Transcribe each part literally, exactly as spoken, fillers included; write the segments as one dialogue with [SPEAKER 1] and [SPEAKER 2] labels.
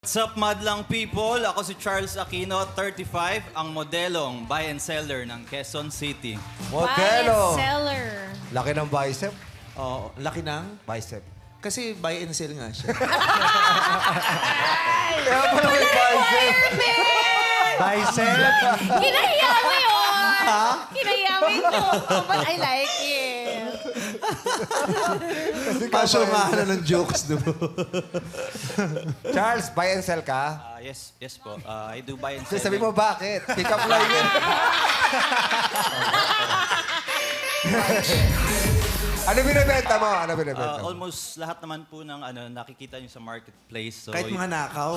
[SPEAKER 1] What's up, madlang people? Ako si Charles Aquino, thirty-five, ang modelong buy and seller ng Quezon City.
[SPEAKER 2] Modelo.
[SPEAKER 3] Seller.
[SPEAKER 2] Laki ng bicep.
[SPEAKER 4] Oo, laki ng...
[SPEAKER 2] Bicep.
[SPEAKER 4] Kasi buy and sell nga siya.
[SPEAKER 2] Kaya pala may bicep. Bicep.
[SPEAKER 3] Kinahiya mo yun! Kinahiya mo yun. Oh, but I like it.
[SPEAKER 4] Pasyo nga na ng jokes, no?
[SPEAKER 2] Charles, buy and sell ka?
[SPEAKER 1] Ah, yes, yes po. Ah, I do buy and
[SPEAKER 2] Kasi
[SPEAKER 1] sell.
[SPEAKER 2] sabi mo, bakit? Pick up line yun. Ano binibenta mo? Ano binibenta
[SPEAKER 1] Ah,
[SPEAKER 2] mo?
[SPEAKER 1] almost lahat naman po ng ano nakikita niyo sa marketplace. So,
[SPEAKER 4] Kahit
[SPEAKER 1] y-
[SPEAKER 4] mga nakaw.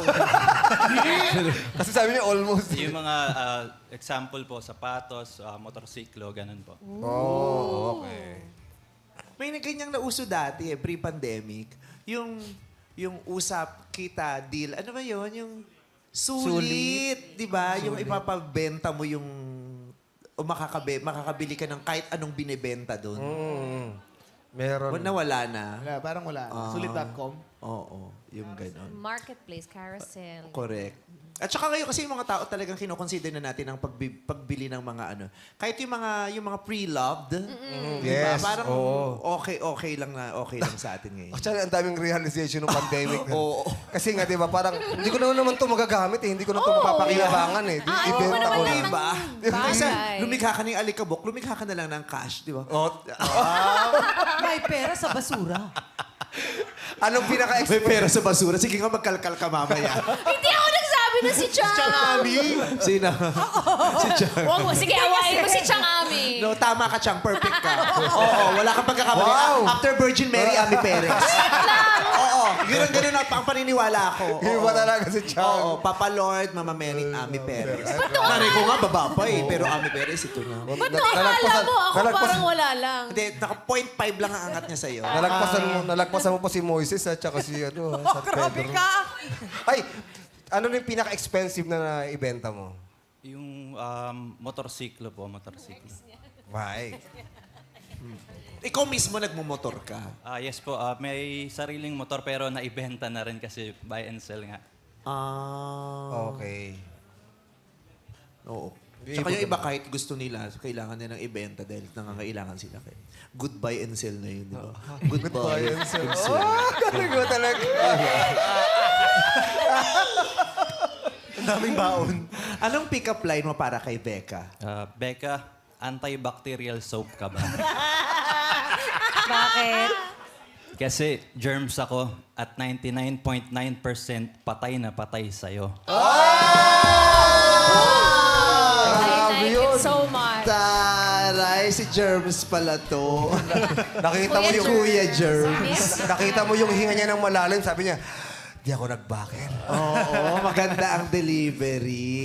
[SPEAKER 2] Kasi sabi niya almost.
[SPEAKER 1] yung mga ah, example po, sapatos, ah, motorsiklo, ganun po.
[SPEAKER 2] Oh, okay.
[SPEAKER 4] May na ganyang nauso dati eh, pre-pandemic. Yung, yung usap, kita, deal. Ano ba yun? Yung sulit. Di ba? Yung ipapabenta mo yung... O makakabe, makakabili ka ng kahit anong binibenta doon.
[SPEAKER 2] Mm. Meron.
[SPEAKER 4] Nawala na.
[SPEAKER 5] Wala, parang wala.
[SPEAKER 4] Ah.
[SPEAKER 5] Sulit dot com.
[SPEAKER 4] Oo, yung ganon.
[SPEAKER 3] Marketplace, carousel.
[SPEAKER 4] Correct. At saka ngayon kasi yung mga tao talagang kinoconsider na natin ang pagbi- pagbili ng mga ano. Kahit yung mga yung mga pre-loved, di ba?
[SPEAKER 2] Yes,
[SPEAKER 4] Parang
[SPEAKER 2] oo.
[SPEAKER 4] okay okay lang na okay lang sa atin ngayon.
[SPEAKER 2] Actually, ang daming realization ng pandemic.
[SPEAKER 4] Oo.
[SPEAKER 2] Kasi nga, di ba, parang hindi ko na naman ito magagamit eh. Hindi ko na ito mapapakinabangan eh. Di,
[SPEAKER 3] Ah,
[SPEAKER 2] ibenta
[SPEAKER 3] ano
[SPEAKER 2] ko
[SPEAKER 3] naman
[SPEAKER 2] na.
[SPEAKER 3] ng
[SPEAKER 4] Diba?
[SPEAKER 3] bagay.
[SPEAKER 4] Kasi lumikha ka ng alikabok, lumikha ka na lang ng cash, di ba?
[SPEAKER 2] Oh,
[SPEAKER 6] May pera sa basura.
[SPEAKER 2] anong
[SPEAKER 4] May
[SPEAKER 2] pinaka-expect?
[SPEAKER 4] pera sa basura. Sige nga, magkalkal ka mamaya.
[SPEAKER 3] Hindi ako nagsabi na si Chang.
[SPEAKER 4] Sino? si Chang.
[SPEAKER 3] Wag mo, sige, awayin mo si Chang Ami.
[SPEAKER 4] No, tama ka, Chang. Perfect ka. Oo, wala kang pagkakamali.
[SPEAKER 2] Wow.
[SPEAKER 4] After Virgin Mary, Ami Perez. Oo, yun ang ganun ang pang paniniwala ko.
[SPEAKER 2] Iba
[SPEAKER 4] Oo.
[SPEAKER 2] talaga si Chang.
[SPEAKER 4] Oo, Papa Lord, Mama Mary, Ami Perez.
[SPEAKER 3] Ba't
[SPEAKER 4] Nanay ko nga, baba pa eh. Pero Ami Perez, ito na.
[SPEAKER 3] Ba't nakakala mo ako
[SPEAKER 2] nalagpasan-
[SPEAKER 3] parang wala lang?
[SPEAKER 4] Hindi, naka point five lang ang angat niya sa'yo.
[SPEAKER 2] Nalagpasan mo, nalagpasan mo pa si Moises at saka si ano,
[SPEAKER 6] Oh,
[SPEAKER 2] San
[SPEAKER 6] grabe
[SPEAKER 2] Pedro.
[SPEAKER 6] ka.
[SPEAKER 2] Ay, ano na yung pinaka-expensive na naibenta mo?
[SPEAKER 1] Yung um, motorsiklo po, motorsiklo.
[SPEAKER 2] Why?
[SPEAKER 4] Ikaw mismo nagmumotor ka.
[SPEAKER 1] Ah, yes po. Ah, may sariling motor pero naibenta na rin kasi buy and sell nga.
[SPEAKER 4] Ah.
[SPEAKER 2] Okay.
[SPEAKER 4] Oo. Tsaka yung iba kahit gusto nila, kailangan nilang ibenta dahil nangangailangan sila. Kaya goodbye and sell na yun, di ba? Goodbye and sell.
[SPEAKER 2] Ah, galing mo talaga.
[SPEAKER 4] Ang daming baon. Anong pick-up line mo para kay Becca?
[SPEAKER 1] Ah, Becca, antibacterial soap ka ba?
[SPEAKER 3] Bakit?
[SPEAKER 1] Kasi germs ako at ninety-nine point nine percent patay na patay sa'yo.
[SPEAKER 3] I like it so much.
[SPEAKER 4] Taray, si Germs pala to.
[SPEAKER 2] Nakita mo
[SPEAKER 3] Kuya
[SPEAKER 2] yung...
[SPEAKER 4] Kuya Germs.
[SPEAKER 2] Nakita mo yung hinga niya ng malalim. Sabi niya, di ako nagbaker.
[SPEAKER 4] Oo, maganda ang delivery.